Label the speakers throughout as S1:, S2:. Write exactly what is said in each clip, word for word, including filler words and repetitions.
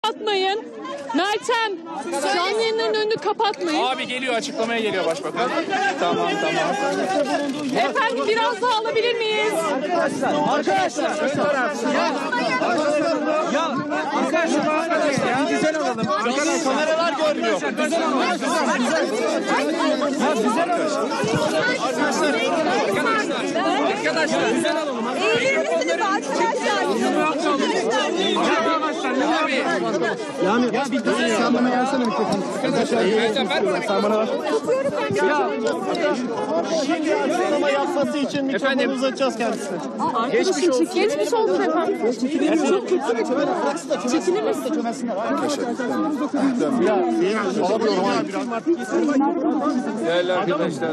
S1: Kapatmayın. Meltem, canlı yayınların önünü kapatmayın.
S2: Abi geliyor, açıklamaya geliyor başbakan. Tamam tamam.
S1: Efendim biraz daha alabilir miyiz?
S3: Arkadaşlar, arkadaşlar. Ya, ya arkadaşlar, arkadaşlar, ya. Güzel olalım. Arkadaşlar, kameralar görmüyor. Güzel olalım. Ya güzel olalım. Arkadaşlar, arkadaşlar, arkadaşlar, güzel olalım.
S4: Eğilir misiniz arkadaşlar?
S3: Yani ya bir dur. Sen bana gelsene mikrofonu. Arkadaşlar, sen bana ver. Ya şimdi açıklama yapması için mikrofonu uzatacağız kendisine.
S1: Geçmiş olsun. Geçmiş olsun efendim. Çok kötü bir çekilir misin?
S5: Değerli arkadaşlar,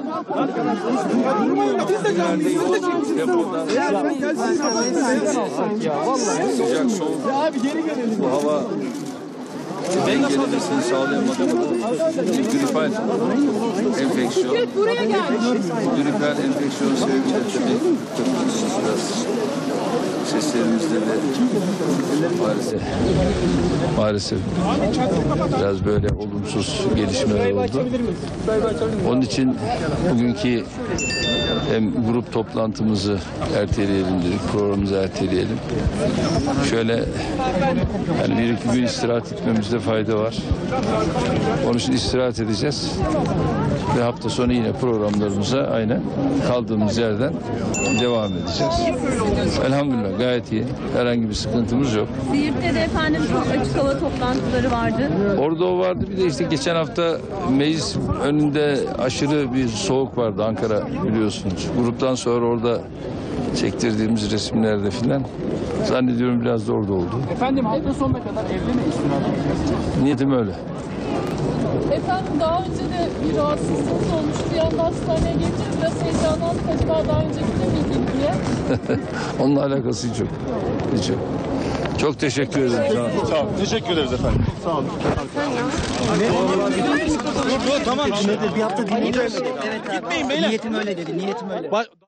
S5: sıcak soğuk bu hava dengelemesini sağlayamadığımız gripal enfeksiyon,
S1: Buraya gel.
S5: gripal enfeksiyon sebebiyle tabii biraz seslerimizde de maalesef maalesef biraz böyle olumsuz gelişmeler oldu. Onun için bugünkü hem grup toplantımızı erteleyelim dedik, programımızı erteleyelim. Şöyle yani bir iki gün istirahat etmemizde fayda var. Onun için istirahat edeceğiz. Ve hafta sonu yine programlarımıza aynen kaldığımız yerden devam edeceğiz. Elhamdülillah gayet iyi. Herhangi bir sıkıntımız yok.
S4: Siirt'te de efendim çok açık hava toplantıları vardı.
S5: Orada o vardı. Bir de işte geçen hafta meclis önünde aşırı bir soğuk vardı Ankara biliyorsunuz. Gruptan sonra orada çektirdiğimiz resimlerde filan zannediyorum biraz da orada oldu.
S2: Efendim hafta sonuna kadar evli miyiz?
S5: Niyetim öyle.
S1: Efendim daha önce de bir rahatsızlığınız olmuş. Bir anda hastaneye geldiniz. Biraz heyecanlandık. Acaba daha önce gidemeydik diye.
S5: Onunla alakası hiç yok. Hiç yok. Çok teşekkür ederim. Sağ olun.
S6: Sağ olun. Teşekkür ederiz efendim. Sağ olun.
S3: Dur dur tamam. Bir hafta dinleyeceğiz. Evet abi. Gitmeyin beyler. Niyetim öyle dedi. Niyetim öyle.